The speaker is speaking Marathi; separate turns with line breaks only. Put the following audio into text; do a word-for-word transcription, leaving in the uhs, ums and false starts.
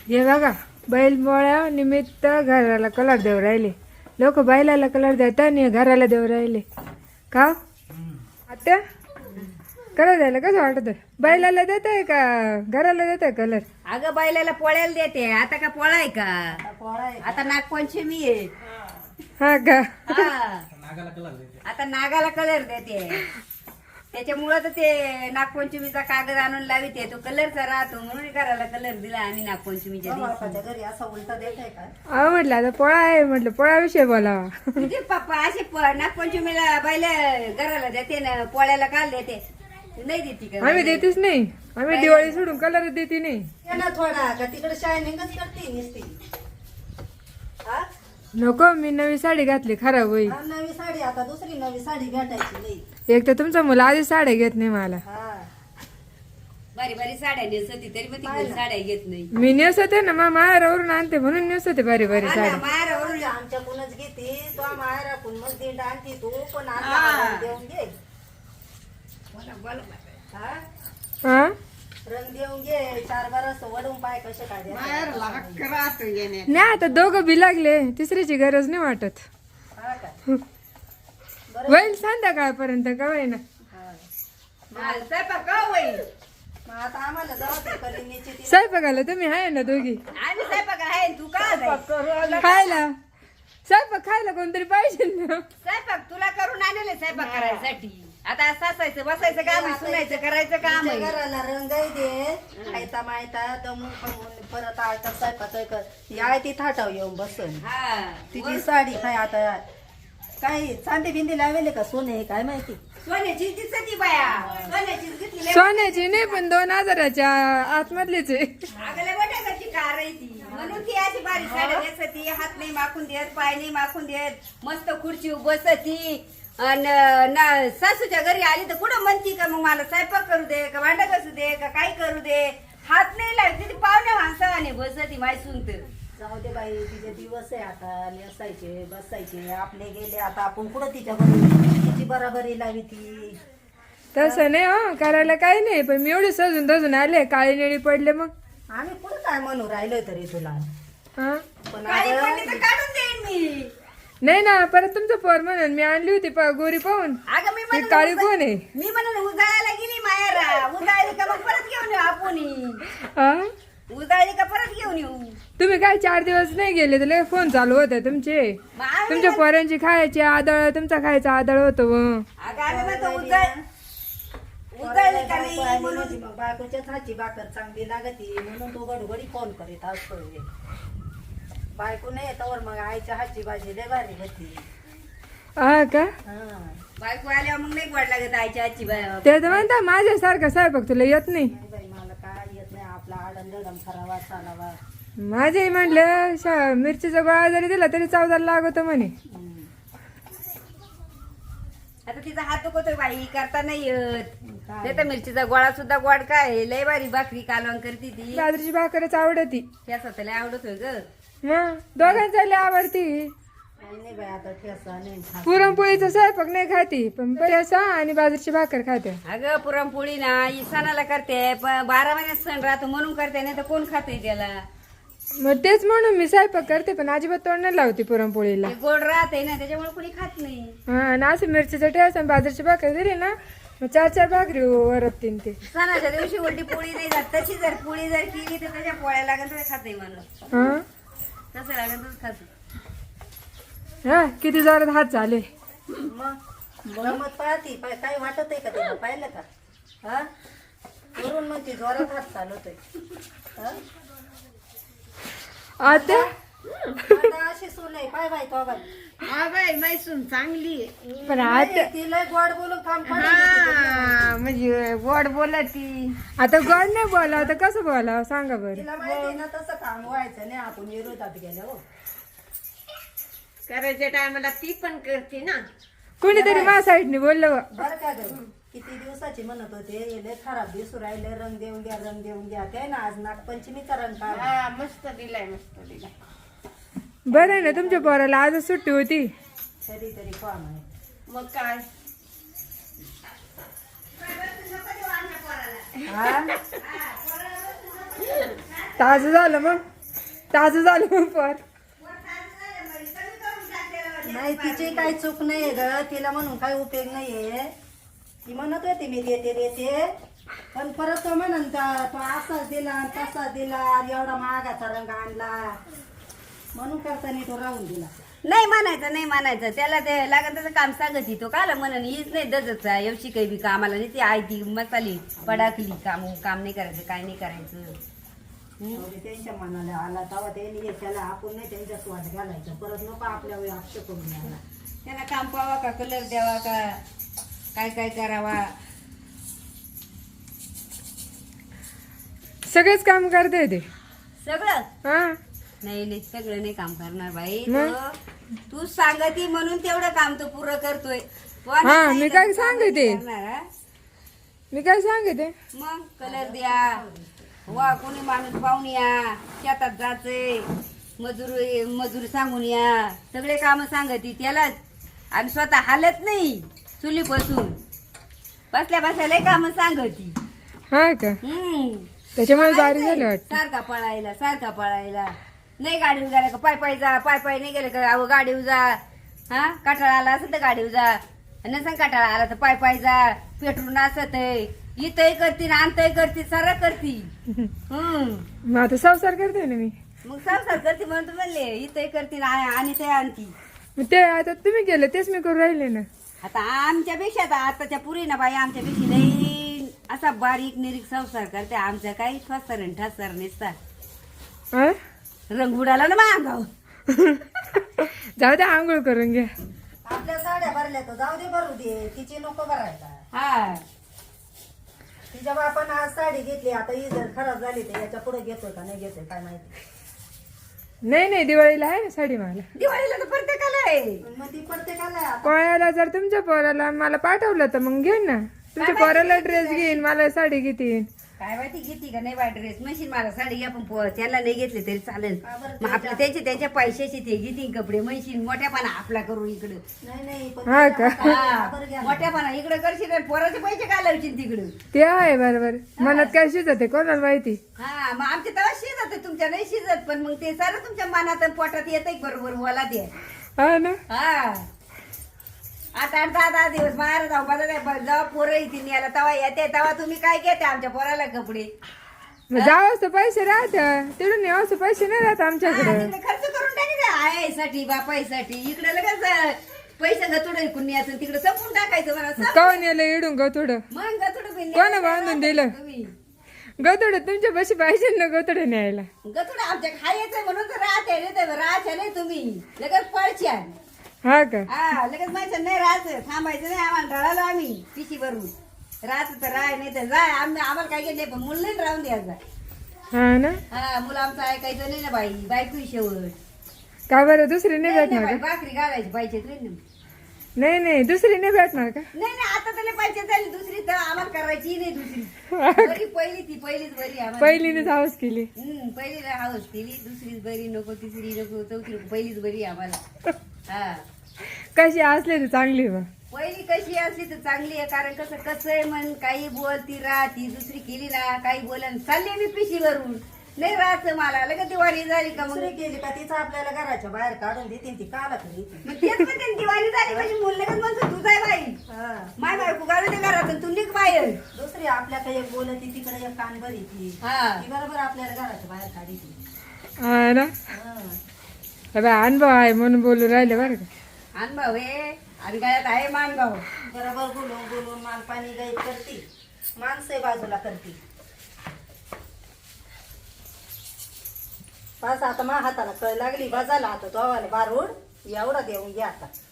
हे बघा बैलपोळ्या निमित्त घराला कलर देऊ राहिले लोक. बैलाला कलर देतात आणि घराला देऊ राहिले का आता कलर द्यायला कसं वाटत? बैलाला देत आहे का घराला देत आहे कलर?
अगं बैलाला पोळ्याला देते. आता का पोळा आहे का? आता नागपंचमी आहे.
हा का?
हा. आता नागाला कलर देते. त्याच्यामुळं तर ते नागपंचमीचा कागद आणून लाविते. तो कलरचा राहतो म्हणून घराला कलर दिला आम्ही नागपंचमीच्या दिवशी.
घरी असा उलटा देताय का?
अहो म्हटलं आता पोळा आहे म्हटलं पोळ्याविषयी बोलावा.
म्हणजे पप्पा असे प- नागपंचमीला बैला घराला देते ना पोळ्याला काल देते नाही देते का?
आम्ही देतेच नाही. आम्ही दिवाळी सोडून कलर देते नाही.
ये ना थोडा का तिकडे शायनिंगच करते नुसती. हा?
नको मी नवी साडी घातली खराब होईल.
हा, नवी साडी आता दुसरी नवी साडी भेटायची नाही.
एक तर तुमचा मुलं आधी साड्या घेत नाही मला.
हा
बारी बारी साड्या नेसती तरी पण ती कोणी साड्या घेत नाही.
मी नेसते ना मग माहेरावरून आणते म्हणून नेसते बारी बारी साड्या.
माहेरावरून
आमच्याकडूनच घेते तो माहेराकडून मग दिंड आणते तू पण
हा.
आता देऊन घे.
बोला बोला
हा
हा
रंग देऊन घे. चार बार असं वडून पाय कसे काय द्यायचे.
नाही आता दोघं बी लागले तिसरीची गरज नाही वाटत.
हा का?
होईल संध्याकाळपर्यंत का होईना.
स्वयंपाक का होईल?
मग आता आम्हाला जाऊ दे कलिनीची ती.
स्वयंपाकाला तुम्ही आहे ना दोघी
आम्ही स्वयंपाक आहे तू का जाय?
खायला स्वयंपाक खायला कोणतरी पाहिजे ना.
स्वयंपाक तुला करून आणले स्वयंपाक करायसाठी. आता सासायचं बसायचं काम आहे, सुनायचं करायचं काम आहे.
तुमच्या घराला रंगाई दे. खायता मायता दमून खाऊन परत आता स्वयंपाक कर. या ती थाटाव येऊन बसन.
हा
तिची साडी काय आता काय चांदी बिंदी लावले का सोने काय माहिती.
सोन्याची दिसती बाया. सोन्याचीच घेतली.
सोन्याची नाही पण दोन हजाराच्या आतमधलीच आहे.
अगले बटाकाची कार आहे ती. म्हणून ती अशी बारीक साड्या नेसती. हात नाही माखून देत, पाय नाही माखून देत. मस्त खुर्ची बसती. अन ना सासूच्या घरी आली तर कुठं म्हणती का मग मला स्वयंपाक करू दे का भांडा घासू दे का काय करू दे. हात नाही लागते ती पाहुण्या माणसाने बसती माय सुनत.
जाऊ दे बाई तिचे दिवस आहे आता नेसायचे बसायचे. आपले गेले आता आपण कुठं तिच्या बरोबर तिची बराबरी लावी ती.
तसं नाही हो करायला काही नाही पण मी एवढे सजून धजून आले काळी निळी पडले मग.
आम्ही कुठं काय म्हणू राहिलोय तरी तुला.
हा
पण
काही
अगं,
पडली तर काढून देईन मी.
नाही ना परत तुमचं पोर म्हणून मी आणली होती पा- गोरी पाहून.
अगं मी
ती
म्हणून
काळी कोण आहे?
मी म्हणून उजाळायला गेली माहेरा. उजाळली का मग परत घेऊन येऊ आपण.
हा
उजाळली का परत घेऊन येऊ.
तुम्ही काय चार दिवस नाही गेले तर फोन चालू होते तुमचे.
मग आम्ही
तुमच्या पोरांची खायची आदळ तुमचा खायचा आदळ होतो.
अगं आम्ही म्हणतो उजाळ उजाळली का
बायको
नाही
आली
म्हणून.
म्हणजे मग बायकोच्याच हातची भाकर चांगली लागती म्हणून तो गडबडी फोन करीत असतोय. बायको नाही येतावर मग आईच्या हातची भाजी लय भारी होती.
हा का?
हा
बायको आल्यावर मग नाही गोड लागत आईच्या आजची बाय.
ते तर म्हणता माझ्यासारखा स्वयंपाक तुला येत नाही.
नाही बाई मला काय येत नाही. आपला आडम दडम करावा चालावा.
माझे म्हटलं शा- मिरचीचा गोळा जरी दिला तरी चौदा लागतो म्हणे.
हम्म.
आता तिचा हात दुखतोय बाई करता नाही येत. ते तर मिरचीचा गोळा सुद्धा गोड काय लय बारी भाकरी कालवण करती ती.
बाजरीची भाकरच आवडती.
त्याचा लय आवडतोय ग.
मग दोघांचा लय आवडती.
नाही नाही बाई आता ठेसा नाही खात.
पुरणपोळीचा स्वयंपाक नाही खाती पण ठेसा आणि बाजरीची भाकर खाते.
अगं पुरणपोळी ना ही सणाला करते पण बारा महिन्यात सण राहतो म्हणून करते नाही तर कोण खाते त्याला.
मग तेच म्हणून मी स्वयंपाक करते पण अजिबात तोंड नाही लावते पुरणपोळीला.
ते गोड राहते ना त्याच्यामुळे कोणी खात नाही.
हा आणि असं मिरचीचा ठेसा आणि बाजरीची भाकर दिली ना मग चार चार भाकरी वरपतीन ते.
सणाच्या दिवशी उलटी पोळी नाही जात. तशी जर पोळी जर केली तर त्याच्या पोळ्या लागत तर खाते माणूस.
हा
तसं लागतच खाते.
हा किती जोरात हात झाले.
मग गमत पाहती पाय काय वाटत आहे का तुला पाहिलं का. हा वरून म्हणते जोरात हात चालवतोय. हा?
आता
आता अशी सून आहे पाय बाई तो बाई.
हा बाई मैसून चांगली आहे.
पण आता
नाही, तिला गोड बोलून काम पडलं.
हा, म्हणजे गोड बोला ती.
आता गोड नाही बोलावं तर कसं बोलावं सांगा बरं.
तिला माहिती ना तसं काम व्हायचं नाही आपण विरोधात गेल्या हो.
करायच्या टायमाला ती पण करते ना.
कोणीतरी माझ्या साईडने बोललं बा.
बरं का ग किती दिवसाची म्हणत होते लय खराब दिसू राहिले रंग देऊन घ्या रंग देऊन घ्या. ते ना आज नागपंचमीचा रंग काढ.
हा मस्त दिलाय मस्त दिलाय.
बरं आहे ना तुमच्या पोराला आजच सुट्टी होती.
तरी तरी काम आहे.
मग काय
हा
ताज झालं मग. ताजं झालं पर
नाही तिची काही चूक नाहीये ग तिला म्हणून काही उपयोग नाहीये ती म्हणत होती मी देते देते पण परत तो म्हणून तो असाच दिला तसाच दिला एवढा महागाचा रंग आणला म्हणून करताना तो राहून दिला.
नाही म्हणायचं नाही म्हणायचं त्याला ते लागत त्याचं काम सांगत तो काला म्हणून हीच नाही दजच एवढी काही बी कामाला नाही ती आई ती मसाली पडाकली काम काम नाही करायचं काय नाही करायचं.
एवढी त्यांच्या मनाला आला तेव्हा त्यांनी त्याला आपण नाही त्यांच्या स्वाद घालायचं परत नको आपल्या वेळी आक्षेप करून आला.
त्याला काम पावा का कलर द्यावा का काय काय करावा.
सगळेच काम करते ते
सगळं
हा
नाही नाही सगळं नाही काम करणार बाई
मग?
तो. तू सांगती म्हणून तेवढं काम तो पुरं करतोय. तो
हा,
नाही
मी काय
सांगितलं तर
सांगते?
करणार, हा?
मी काय सांगते
मग कलर द्या वा कोणी माणूस पाहून या शेतात जायचंय मजूर मजूर सांगून या सगळे काम सांगती त्यालाच आणि स्वतः हालत नाही चुली बसून बसल्या बसल्या काम सांगती.
हा का
हम्म
त्याच्यामुळे बारी झालं वाटतं.
सारखा पळायला सारखा पळायला नाही गाडीवर गेला का पाय पाय जा पाय पाय नाही गेलं का अहो गाडीवर जा हा कटाळा आला असं तर गाडीवर जा नसन कटाळा आला तर पाय पाय जा पेटरून असत इथंही करती आणतही करती सारा करती. हम्म
मग आता संसार करते ना मी.
मग संसार करते म्हणून तू म्हणले इथंही करती आणि ते आणती.
मग ते आता तुम्ही केलं तेच मी करून राहिले ना.
आता आमच्यापेक्षा आता आताच्या पुरी ना बाई आमच्यापेक्षा लई असा बारीक निरीक संसार करते आमच्या काही ठसर आणि ठसर नसता
हा?
रंग उडाला ना मागाव.
जाऊ दे आंघोळ करून घ्या.
आपल्या साड्या भरल्या तर जाऊ दे भरू दे तिची नको भरायला.
हा
तिच्या बापानं आज साडी घेतली आता ही जर खराब झाली तर याच्या पुढे घेतोय का नाही घेतोय काय माहिती.
नाही नाही दिवाळीला आहे ना साडी मला.
दिवाळीला तर प्रत्येकाला आहे.
पण मग ती प्रत्येकाला आता
कोणाला जर तुमच्या पोराला मला पाठवलं तर मग घेईन ना. तुमच्या पोराला ड्रेस घेईन मला साडी घेतीन.
काय माहिती घेती का नाही बा ड्रेस मशीन मला साडी घ्या पण पो- त्याला नाही घेतले तरी चालेल. मग आपल्या त्यांचे त्यांच्या पैशाचे ते घेतील कपडे मशीन मोठ्यापणा आपला करू इकडं.
नाही नाही पण
हा
तिच्या
का?
हाताला बरं घ्या.
मोठ्यापणा इकडं करशील आणि पोराचे पैसे घालवशील तिकडं.
ते आहे बरोबर मनात काय शिजते कोणाला माहिती.
हा मग आमच्या तेव्हा शिजत तुमच्या नाही शिजत पण मग ते सारं तुमच्या मनात आणि पोटात येत बरोबर मला ते.
हा ना.
हा आता आठ दहा दहा दिवस बाहेर जाऊ बघा जेव्हा पोरं येतील न्यायला तेव्हा येते तेव्हा तुम्ही काय घेते आमच्या पोराला कपडे.
मग जावंच तर पैसे राहत तिकडून यावंच पैसे नाही राहत
हा,
आमच्याकडे.
तिकडे खर्च करून टाकायचं आईसाठी बापाईसाठी इकडे लगेच पैसे गतुड ऐकून न्यायचं तिकडे संपून टाकायचं मला सांग.
कवन यायला इडून गथोडं
मग गतुड
कोणा बांधून दिलं? गथोडं तुमच्या बशी पाहिजे ना गथोडं न्यायला.
गतुड आमच्या खायचं म्हणून तर राहते नाही तर राहते नाही तुम्ही लगेच पळच्या.
हा का.
हा लगेच माहिती नाही राहायचं थांबायचं नाही आम्हाला ढळालो आम्ही पिशी भरून राहत तर राह नाही तर जाय आम्ही आम्हाला काय घेतले पण मुलं नाही राहून द्यायचा.
हा ना.
हा मुलं आमचं ऐकायचं नाही ना बाई बायको शेवट.
का बरं दुसरी नाही
नाही, नाही
भेटणार
बाई,
का?
भाकरी घालायची पाहिजे नाही
नाही नाही दुसरी नाही भेटणार का?
नाही आता त्याला पाहिजे झाली दुसरी तर आम्हाला करायची नाही दुसरी बरी पहिली ती पहिलीच बरी आम्हाला.
पहिलीनेच हाऊस केली.
हम्म पहिलीला हाऊस केली दुसरीच बरी नको तिसरी नको चौथी नको पहिलीच बरी आम्हाला. हा
कशी असले तर चांगली बा.
पहिली कशी असली तर चांगली आहे कारण कसं कसं आहे म्हण काही बोलती राहती दुसरी केली ना काही बोलन चालली मी पिशी भरून नाही राहायचं मला लगेच दिवाळी झाली का मग
दुसरी केली का तिचं आपल्याला घराच्या बाहेर काढून देतील ती काला तरी
मग तेच म्हणते ना, दिवाळी झाली म्हणजे मुलं लगेच म्हणतो तू जाय बाई माय बायको गाडू दे घरातून तू निघ बाहेर.
दुसरी आपल्याकडे एक बोलती तिकडे एक कान भरी ती
हा
ती बरोबर आपल्याला घराच्या बाहेर काढी ती.
हा ना. अबे अनुभव आहे म्हणून बोलू राहिले बरं का.
अनुभव हे आणि गळ्यात आहे मानभाव.
बरोबर बोलून बोलून मान पाणी गाईत करती माणसं बाजूला करती. पास आता मा हाताला कळ लागली बाजाला आता तो आवाला बारूड एवढा देऊन घ्या आता.